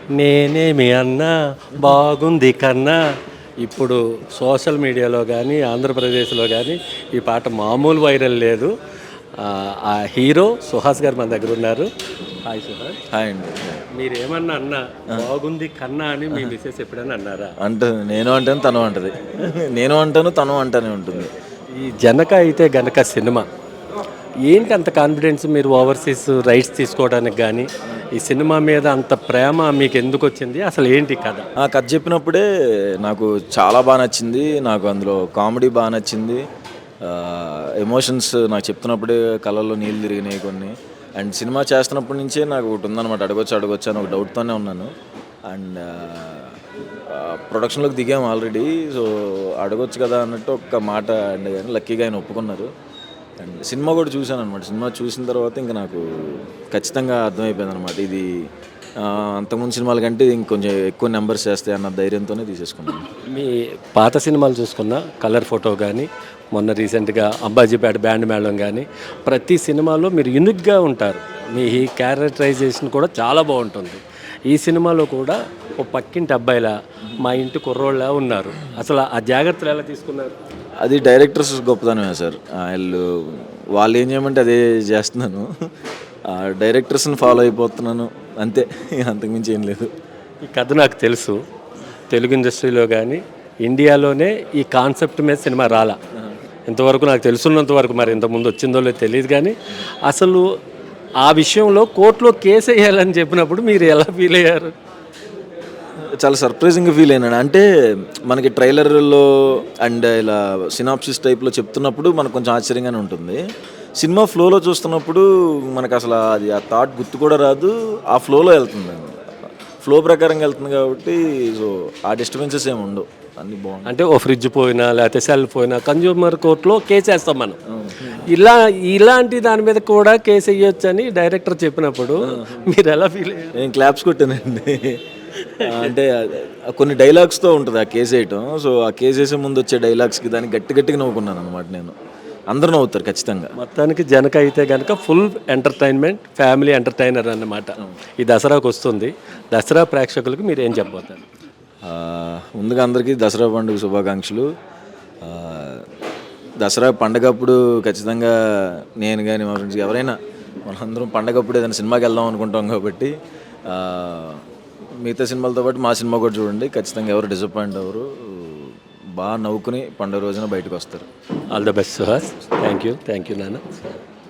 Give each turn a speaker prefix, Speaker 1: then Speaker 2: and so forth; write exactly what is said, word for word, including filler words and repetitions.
Speaker 1: నేనేమి అన్నా బాగుంది కన్నా. ఇప్పుడు సోషల్ మీడియాలో కానీ ఆంధ్రప్రదేశ్లో కానీ ఈ పాట మామూలు వైరల్ లేదు. ఆ, ఆ హీరో సుహాస్ గారు మన దగ్గర ఉన్నారు. హాయ్ సుహాస్.
Speaker 2: హాయ్ అండి.
Speaker 1: మీరు ఏమన్నా అన్నా బాగుంది కన్నా అని మీ మిస్సెస్ ఎప్పుడైనా అన్నారా?
Speaker 2: అంటుంది, నేను అంటాను తను అంటది. నేను అంటాను తను అంటానే ఉంటుంది.
Speaker 1: ఈ జనక అయితే గనక సినిమా ఏంటి అంత కాన్ఫిడెన్స్ మీరు ఓవర్సీస్ రైట్స్ తీసుకోవడానికి కానీ ఈ సినిమా మీద అంత ప్రేమ మీకు ఎందుకు వచ్చింది? అసలు ఏంటి కథ?
Speaker 2: ఆ కథ చెప్పినప్పుడే నాకు చాలా బాగా నచ్చింది. నాకు అందులో కామెడీ బాగా నచ్చింది. ఎమోషన్స్ నాకు చెప్తున్నప్పుడే కళ్ళల్లో నీళ్ళు తిరిగినాయి కొన్ని. అండ్ సినిమా చేస్తున్నప్పటి నుంచే నాకు ఒకటి ఉందన్నమాట, అడగొచ్చు అడగొచ్చు అని ఒక డౌట్తోనే ఉన్నాను. అండ్ ప్రొడక్షన్లోకి దిగాము ఆల్రెడీ. సో అడగొచ్చు కదా అన్నట్టు ఒక మాట అండి, కానీ లక్కీగా ఆయన ఒప్పుకున్నారు. అండ్ సినిమా కూడా చూశాను అనమాట. సినిమా చూసిన తర్వాత ఇంకా నాకు ఖచ్చితంగా అర్థమైపోయింది అనమాట, ఇది అంతకుముందు సినిమాల కంటే ఇంకొంచెం ఎక్కువ నెంబర్స్ చేస్తాయి అన్న ధైర్యంతోనే తీసేసుకున్నాను.
Speaker 1: మీ పాత సినిమాలు చూసుకున్న కలర్ ఫోటో కానీ మొన్న రీసెంట్గా అంబాజీపేట బ్యాండ్ మేళం కానీ ప్రతి సినిమాలో మీరు యూనిక్గా ఉంటారు. మీ క్యారెక్టరైజేషన్ కూడా చాలా బాగుంటుంది. ఈ సినిమాలో కూడా ఓ పక్కింటి అబ్బాయిలా మా ఇంటి కుర్రోళ్ళ ఉన్నారు. అసలు ఆ జాగ్రత్తలు ఎలా తీసుకున్నారు?
Speaker 2: అది డైరెక్టర్స్ గొప్పతనమే సార్. వాళ్ళు వాళ్ళు ఏం చేయమంటే అదే చేస్తున్నాను. డైరెక్టర్స్ని ఫాలో అయిపోతున్నాను అంతే, అంతకుమించి ఏం లేదు.
Speaker 1: ఈ కథ నాకు తెలుసు. తెలుగు ఇండస్ట్రీలో కానీ ఇండియాలోనే ఈ కాన్సెప్ట్ మీద సినిమా రాలా ఇంతవరకు, నాకు తెలుసున్నంత వరకు. మరి ఇంతకుముందు వచ్చిందో లేదో తెలియదు. కానీ అసలు ఆ విషయంలో కోర్టులో కేసు వేయాలని చెప్పినప్పుడు మీరు ఎలా ఫీల్ అయ్యారు?
Speaker 2: చాలా సర్ప్రైజింగ్గా ఫీల్ అయినాడు. అంటే మనకి ట్రైలర్లో అండ్ ఇలా సినాప్సిస్ టైప్లో చెప్తున్నప్పుడు మనకు కొంచెం ఆశ్చర్యంగానే ఉంటుంది. సినిమా ఫ్లోలో చూస్తున్నప్పుడు మనకు అసలు అది ఆ థాట్ గుర్తు కూడా రాదు, ఆ ఫ్లోలో వెళ్తుంది, ఫ్లో ప్రకారంగా వెళ్తుంది. కాబట్టి సో ఆ డిస్టర్బెన్సెస్ ఏమి ఉండవు, అన్నీ బాగుంది.
Speaker 1: అంటే ఓ ఫ్రిడ్జ్ పోయినా లేకపోతే సెల్ పోయినా కన్జ్యూమర్ కోర్టులో కేసు వేస్తాం మనం. ఇలా ఇలాంటి దాని మీద కూడా కేసు వేయొచ్చు అని డైరెక్టర్ చెప్పినప్పుడు మీరు ఎలా ఫీల్ అయ్యారు?
Speaker 2: నేను క్లాప్స్ కొట్టానండి. అంటే కొన్ని డైలాగ్స్తో ఉంటుంది ఆ కేసు వేయటం. సో ఆ కేసు వేసే ముందు వచ్చే డైలాగ్స్కి దానికి గట్టి గట్టిగా నవ్వుకున్నాను అనమాట నేను. అందరూ నవ్వుతారు ఖచ్చితంగా.
Speaker 1: మొత్తానికి జనక అయితే కనుక ఫుల్ ఎంటర్టైన్మెంట్, ఫ్యామిలీ ఎంటర్టైనర్ అన్నమాట. ఈ దసరాకు వస్తుంది. దసరా ప్రేక్షకులకు మీరు ఏం చెప్పబోతారు?
Speaker 2: ముందుగా అందరికీ దసరా పండుగ శుభాకాంక్షలు. దసరా పండగప్పుడు ఖచ్చితంగా నేను కానీ మా ఫ్రెండ్స్ ఎవరైనా మనందరం పండగప్పుడు ఏదైనా సినిమాకి వెళ్దాం అనుకుంటాం. కాబట్టి మిగతా సినిమాలతో పాటు మా సినిమా కూడా చూడండి. ఖచ్చితంగా ఎవరు డిసప్పాయింట్ అవ్వరు, బాగా నవ్వుకుని పండుగ రోజున బయటకు వస్తారు.
Speaker 1: All the best Suhas. Thank you thank you నాన్న.